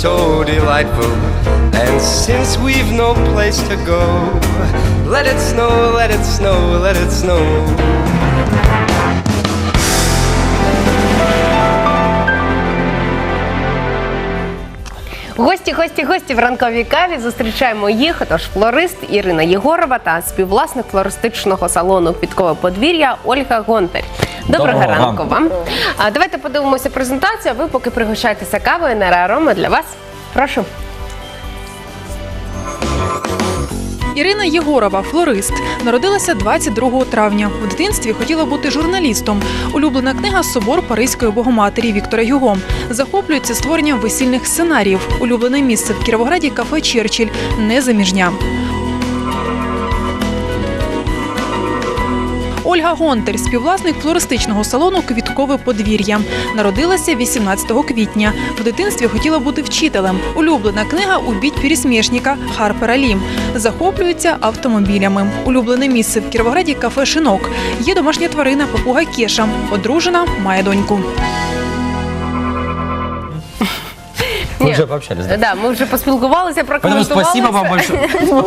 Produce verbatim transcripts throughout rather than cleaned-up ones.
so delightful. And since we've no place to go, let it snow, let it snow, let it snow. Гості, гості, гості в ранковій каві. Зустрічаємо їх. Тож флорист Ірина Єгорова та співвласник флористичного салону «Квіткове подвір'я» Ольга Гонтар. Доброго, Доброго ранку вам. А, давайте подивимося презентацію, а ви поки пригощайтеся кавою. Нера Арома для вас. Прошу. Ірина Єгорова – флорист. Народилася двадцять другого травня. У дитинстві хотіла бути журналістом. Улюблена книга «Собор Паризької Богоматері» Віктора Гюго. Захоплюється створенням весільних сценаріїв. Улюблене місце в Кіровограді – кафе «Черчилль». Незаміжня. Ольга Гонтар – співвласник флористичного салону «Квіткове подвір'я». Народилася вісімнадцятого квітня. В дитинстві хотіла бути вчителем. Улюблена книга «Убіть пересмішника» Харпера Лі. Захоплюється автомобілями. Улюблене місце в Кіровограді – кафе «Шинок». Є домашня тварина папуга Кеша. Одружена, має доньку. Мы уже пообщались, да? Да, ми вже поспілкувалися, прокоментувалися. Спасибо вам большое.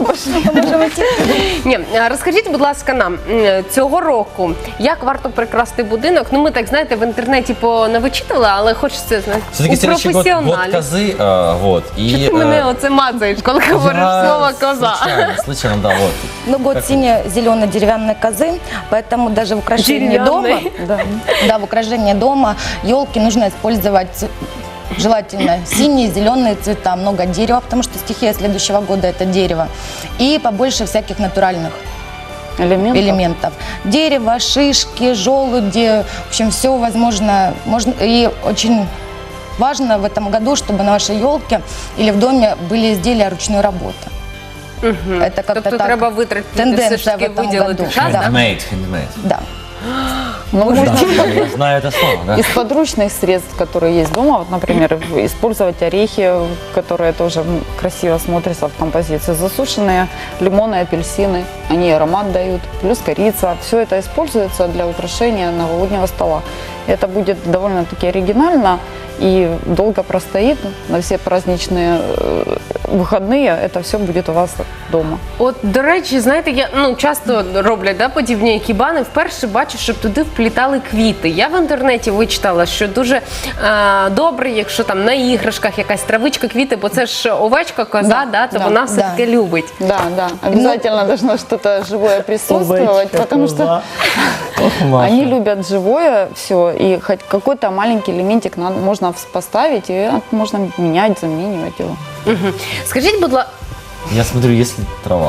Ні, розкажіть, будь ласка, нам цього року, як варто прикрасити будинок? Ну, ми так, знаєте, в інтернеті понавичитували, але хочеться, знаєте, у професіоналів. Год козы, а, вот. Що ти мене оце мацаєш, коли говориш слово «коза»? Случайно, случайно, да, вот. Ну, год сине-зеленой деревянной козы, поэтому даже в украшении дома, да, да, в украшении дома елки нужно использовать желательно синие, зеленые цвета, много дерева, потому что стихия следующего года – это дерево, и побольше всяких натуральных элементов. элементов. Дерево, шишки, желуди, в общем, все возможно. Можно, и очень важно в этом году, чтобы на вашей елке или в доме были изделия ручной работы. Угу. Это как-то тобто так, треба витратити тенденция все ж таки в этом виділити году. час, Да. Handmade, handmade. Да. Ну, Да, можно я знаю это слово, да. из подручных средств, которые есть дома, вот, например, использовать орехи, которые тоже красиво смотрятся в композиции, засушенные лимоны, апельсины, они аромат дают, плюс корица. Все это используется для украшения новогоднего стола. Это будет довольно-таки оригинально и долго простоит на все праздничные вихідні, це все буде у вас вдома. От, до речі, знаєте, я ну часто роблять да, подібні екібани. Вперше бачу, щоб туди вплітали квіти. Я в інтернеті вичитала, що дуже е, добре, якщо там на іграшках якась травичка, квіти, бо це ж овечка, коза, да, да, то да, вона все да. таки любить. Да, да, обязательно ну, должно что-то живое присутствовать, овечка, потому что они любят живое все, и хоть какой-то маленький элементик надо, можно поставить, и можно менять, заменивать его. Угу. Скажіть, будь ласка, Я смотрю, если трава.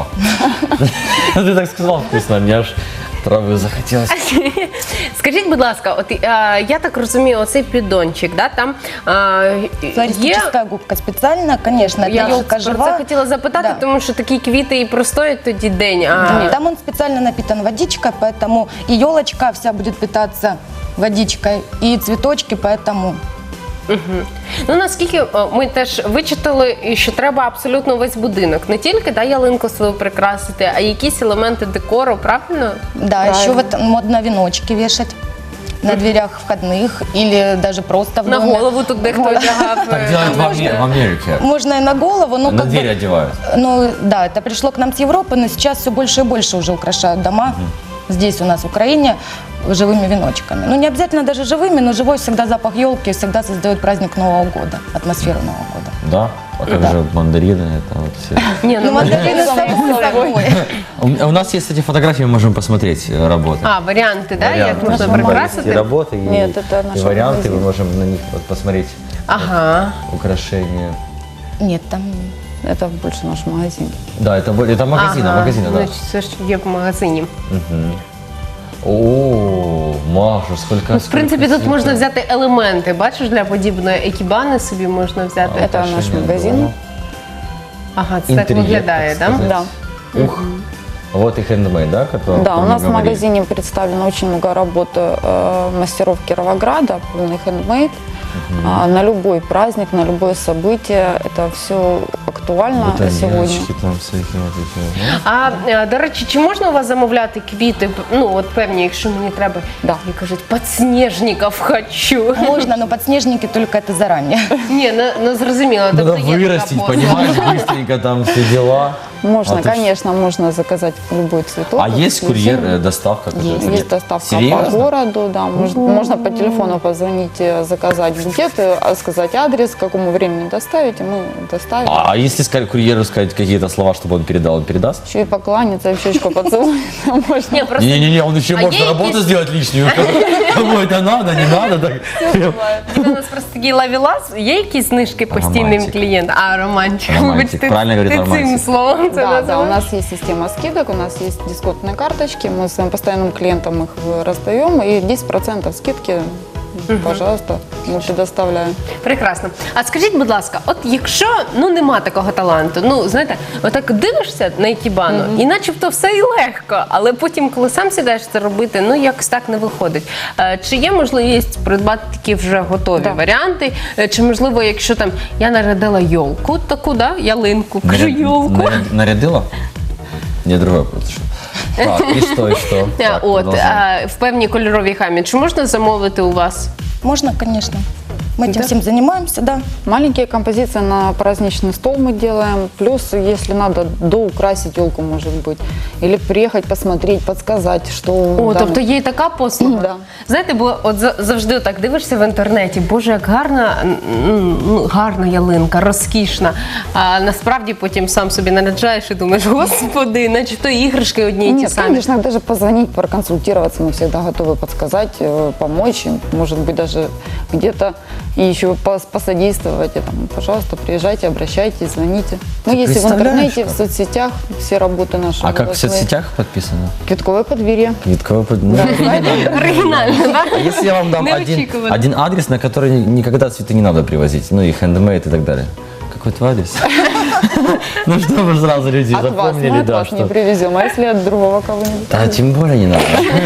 Ты так сказал вкусно, мне аж травы захотелось. скажіть, будь ласка, от е, я так розумію, оцей піддончик, да, там е, є... Флористическая губка специально, конечно, это Я елка про це жива. хотіла запитати, Да. тому що такі квіти і простоять тоді день. А... Да, там он специально напитан водичкой, поэтому и елочка вся будет питаться водичкой, и цветочки, поэтому... Угу. Ну, наскільки о, ми теж вичитали, що треба абсолютно весь будинок. Не тільки да, ялинку свою прикрасити, а якісь елементи декору, правильно? Да, Правильно. еще вот модно веночки вешать на дверях входных или даже просто в На доме. голову тут дехто одягав. Так делают в Аме- в Америке. Можно и на голову, но На как двери бы, одевают. ну да, это пришло к нам с Европы, но сейчас все больше и больше уже украшают дома. Здесь у нас в Украине живыми веночками. Ну не обязательно даже живыми, но живой всегда запах елки всегда создает праздник Нового года, атмосферу Нового года. Да? А как Да. же мандарины, это вот все. Ні, Ну ну, мандарины само собой. У у нас есть эти фотографии, мы можем посмотреть э, работы. а, варіанти, да, як Варианты. можна Там есть и прикрасити? работы, и, Нет, это и наш варианты, магазин. мы можем на них вот посмотреть Ага. украшения. Нет, там... Это больше наш магазин. Да, это, бо- это магазин, Ага. магазин, да. Значить, це ж є в магазині. Мгм. О, Маша, сколько... Ну, в принципі, сколько тут можна цветов. взяти елементи. Бачиш, для подібної екібани собі можна взяти. А, Это наш украшения магазин. дома. Ага, це так Интерьер, виглядає, так да? сказать. Да. Ух. Вот и хендмейд, да? Который, Да, у который нас в мы говорили. магазине представлено очень много работ э, мастеров Кировограда, полный хендмейд. а, на любой праздник, на любое событие. Это все актуально сегодня. Бутоньячки там всякі от такі, ну. А е, до речі, чи можна у вас замовляти квіти? Ну от певні, якщо мені треба, Да. як кажуть, підсніжників хочу. Можно, но подснежники только это заранее. Ні, ну, ну зрозуміло. Надо тобто є така вырастить, послуга. понимаешь, быстренько там все дела. Можно, А ты конечно, можно заказать любой цветок. А есть Если курьер, зимний. э, доставка? Есть, которая- есть доставка Серьезно? по городу, да. Можно, можно по телефону позвонить, э, заказать букет, э, сказать адрес, к какому времени доставить, и мы доставим. А если сказать курьеру сказать какие-то слова, чтобы он передал, он передаст? Еще и покланяться, и в щечку поцелуй. Можно. Ні, просто Не-не-не, он еще А может есть работу якісь- сделать лишнюю. Кому это надо, не надо. так. у нас просто такий лавілас, є якісь знижки постійним Романтик. клієнтам? А, романтик. Романтик, Вибачте, правильно говорить, ти цим романтик. словом це Да, да, у називаєш? нас есть система скидок, у нас есть дисконтные карточки, мы своим постоянным клиентам их раздаем, и десять процентов скидки, пожалуйста, мы предоставляем. Прекрасно. А скажіть, будь ласка, от якщо ну нема такого таланту, ну знаєте, отак дивишся на ікібану, і начебто все і легко, але потім, коли сам сідаєш це робити, ну якось так не виходить. Е, Чи є можливість придбати такі вже готові Да. варіанти? Е, Чи можливо, якщо там я нарядила йолку, таку, да, ялинку, кажу Наряд- йолку. наряд- Нарядила? Не, другой вопрос. еще. Так, и что, и что? Е, Так, От продолжаем. е, в певній кольоровій гамі. Чи можна замовити у вас? Можно, конечно. Мы этим Да? всем занимаемся, да. Маленькие композиции на праздничный стол мы делаем, плюс, если надо, доукрасить елку, может быть, или приехать посмотреть, подсказать, что... О, да, тобто є і така послуга. Да. Знаєте, бо от за- завжди так дивишся в інтернеті, боже, як гарна, м, ну, гарна ялинка, розкішна. А насправді потім сам собі наряджаєш і думаєш, господи, наче то іграшки одні і ті Нет, самі. конечно, даже позвонить, проконсультироваться, мы всегда готовы подсказать, э, помочь, может быть, даже где-то и еще пос- посодействовать. И там, пожалуйста, приезжайте, обращайтесь, звоните. Мы есть и в представляешь, интернете, в как? соцсетях, все работы наши. А как в вывозные. соцсетях подписано? Квитковое подверье. Квитковый под... Ну, Оригінально, так? А если я вам дам один, Неочікувано. один адрес, на который ни- никогда цветы не надо привозить, ну и хендмейд и так далее? Какой твой адрес? Ну, чтобы сразу люди От вас, мы запомнили, от да, вас не что... привезем, а если от другого кого-нибудь? Да, тем более не надо.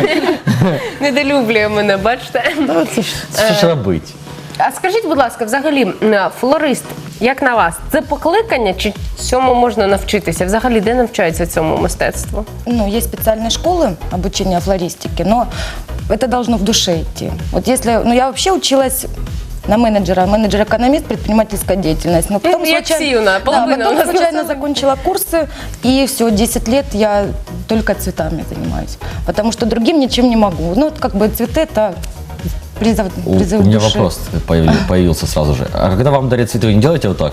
Недолюблює мене, бачите? Да, це ж- Що ж робити? А скажіть, будь ласка, взагалі, м, флорист, як на вас, це покликання чи цьому можна навчитися? Взагалі, де навчаються цьому мистецтву? Ну, есть специальные школы обучения флористики, но это должно в душе идти. Вот если, ну, я вообще училась на менеджера, менеджер-экономист, предпринимательская деятельность. Но потом, Як случайно, Сіюна, да, половина у потом нас случайно на самом- закончила курсы, и все, десять лет я только цветами занимаюсь. Потому что другим ничем не могу. Ну, вот как бы цветы – это призыв, У, призыв у меня души. вопрос появили- появился сразу же. А когда вам дарят цветы, вы не делаете вот так?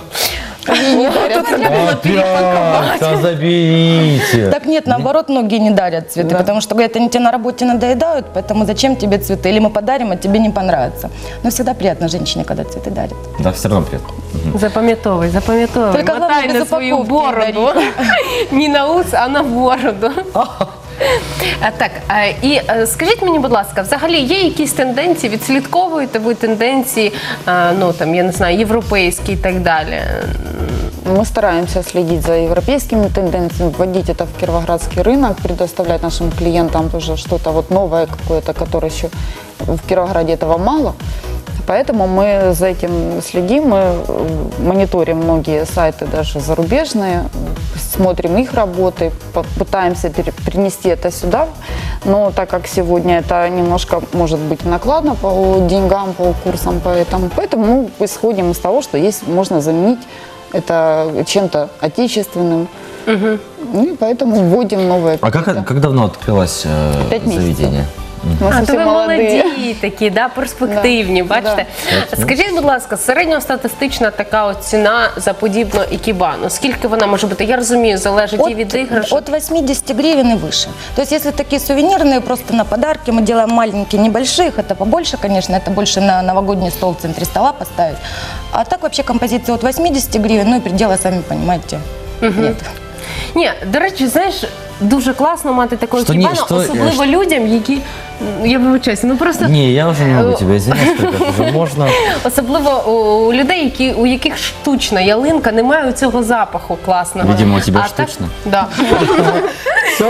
Опять, да заберите. Так нет, наоборот, многие не дарят цветы, Да. потому что говорят, они тебе на работе надоедают, поэтому зачем тебе цветы? Или мы подарим, а тебе не понравится. Но всегда приятно женщине, когда цветы дарят. Да, все равно приятно. Запам'ятовуй, запам'ятовуй. Тільки головне, Мотай без на свою упаковки бороду. Не на ус, а на бороду. А, Так, а, і е, скажіть мені, будь ласка, взагалі є якісь тенденції, відслідковуєте ви тенденції, а, ну там, я не знаю, європейські і так далі? Мы стараемся следить за европейскими тенденциями, вводить это в кировоградский рынок, предоставлять нашим клиентам тоже что-то вот новое какое-то, которое еще в Кировограде этого мало. Поэтому мы за этим следим, мы э, мониторим многие сайты даже зарубежные, смотрим их работы, по- пытаемся пере- принести это сюда. Но так как сегодня это немножко может быть накладно по деньгам, по курсам, поэтому, поэтому мы исходим из того, что есть, можно заменить это чем-то отечественным. Ну, и поэтому вводим новые. А как, какие-то. как давно открылось э, Пять месяцев. заведение? Мы А, то совсем ви молодые. молоді такі, да, перспективні, Да, бачите? Скажіть, будь ласка, середньостатистична така от ціна за подібну ікібану, скільки вона може бути? Я розумію, залежить і від іграшок. от восьмидесяти гривен и выше. То есть, если такие сувенирные, просто на подарки, мы делаем маленькие, небольших, это побольше, конечно, это больше на новогодний стол в центре стола поставить. А так вообще композиция от восьмидесяти гривен, ну и предела, сами понимаете, нет. Ні, до речі, знаєш, дуже класно мати такого Що ні, ікібану, що- особливо людям, які, я вибачаюся, ну просто... Не, я уже не могу тебя извинять, сколько уже можно. Особливо у людей, які, у яких штучна ялинка, немає цього запаху класного. Видимо, у тебе А так- штучна? Да. Все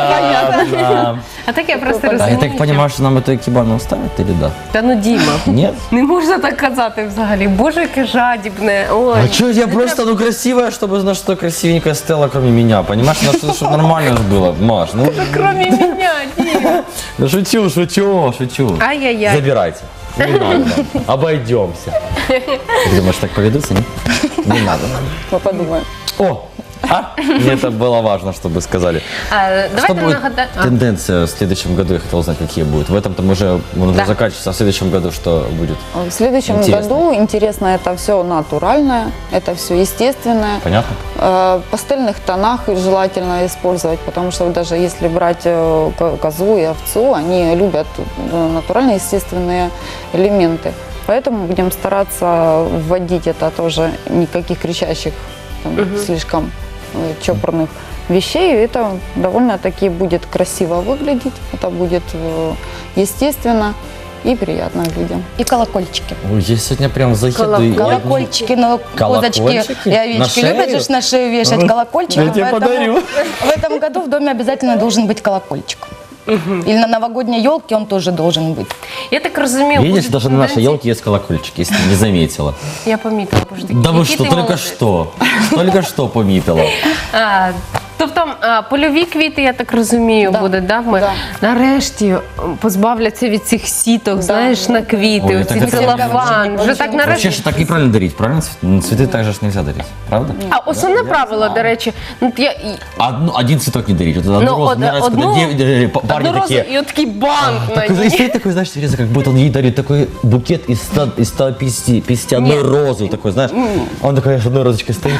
понятно. А так я просто А я розумію. так понимаю, что нам эту экибану оставят или да? Та ну Діма, Нет? не можна так казати взагалі. Боже, яке жадібне. Ой. А что, я просто, ну, красивая, чтобы, знаешь, что красивенькая стояла, кроме меня, понимаешь? Ну, что- чтобы нормально же было, Маш, ну, Кроме мене, Діма. ну, шучу, шучу, шучу. Ай-яй-яй. Забирайте. Не надо нам. Обойдемся. Ты думаешь, так поведутся, нет? Не надо нам. Мы подумаем. О, а? Мне это было важно, чтобы сказали. А, Что давайте будет нагадаємо. тенденция в следующем году, я хотел узнать, какие будут. В этом там уже, он уже Да. заканчивается, а в следующем году что будет? В следующем Интересно. году интересно это все натуральное, это все естественное. Понятно? Э, пастельных тонах желательно использовать, потому что вот даже если брать э, ко- козу и овцу, они любят э, натуральные естественные элементы. Поэтому будем стараться вводить это тоже, никаких кричащих, там, слишком э, чопорных вещей. Это довольно-таки будет красиво выглядеть, это будет э, естественно и приятно людям. И колокольчики. Ой, я сегодня прям заеду и... Колокольчики, но Колокольчики? козочки и На овечки шею? любят же на шею вешать колокольчики. Я тебе поэтому подарю. В этом году в доме обязательно должен быть колокольчик. Или на новогодней елке он тоже должен быть. Я так розумію. Видишь, будуть даже на нашей тенденції- елке есть колокольчики, если ты не заметила. Я помітила, боже, такі. Да вы Який что, ти только молодець. что. Только что пометила. А, тобто а, польові квіти, я так розумію, Да. буде, да? Ми Да. нарешті м, позбавляться від цих сіток, знаєш, на квіти, Ой, оці так это- целофан. Вже так Вообще нарешті. же так неправильно дарить, правильно? Цвет- Цветы так же ж нельзя дарить, правда? А основне правило, до речі, ну, я, і- Одну, один цветок не дарить. Вот одну ну, розу, од- мне нравится, одну, когда дев- э, п- парни одну розу такие... і от такий банк на Такой, и ній. стоит такой, знаешь, Тереза, как будто он ей дарит такой букет из, ста, из ста пятидесяти, пятидесяти одной Нет. розы, такой, знаешь. Он такой с одной розочкой стоит.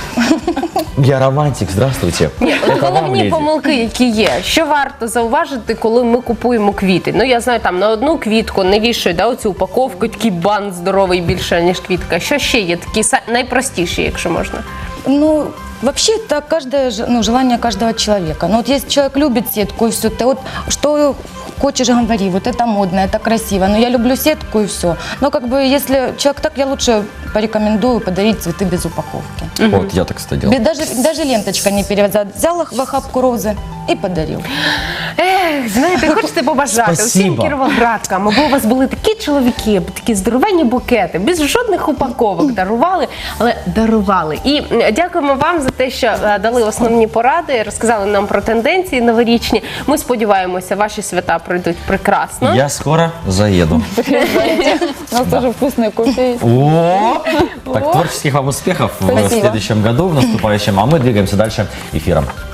Я романтик, здравствуйте. Ні, от Это вам головні леди. помилки, які є, що варто зауважити, коли ми купуємо квіти. Ну я знаю, там на одну квітку не вішають, да, оцю упаковку, такий бант здоровий більше, ніж квітка. Що ще є такі са- найпростіші, якщо можна? Ну, вообще это каждое, ж- ну, желание каждого человека. Ну, вот если человек любит сетку и все, ты вот что хочешь, говори, вот это модно, это красиво. Но я люблю сетку и все. Но как бы если человек так, я лучше порекомендую подарить цветы без упаковки. Вот, я так, кстати, делал. Без- Даже, даже ленточка не перевязать. Взял их в охапку розы и подарил. Ех, знаєте, хочете побажати всім Спасибо. кіровоградкам, аби у вас були такі чоловіки, аби такі здоровенні букети, без жодних упаковок дарували, але дарували. І м, дякуємо вам за те, що е, дали основні поради, розказали нам про тенденції новорічні. Ми сподіваємося, ваші свята пройдуть прекрасно. Я скоро заеду. У нас тоже вкусные кофе есть. О! Так, творческих вам успехов в Спасибо. следующем году, в наступающем. А мы двигаемся дальше эфиром.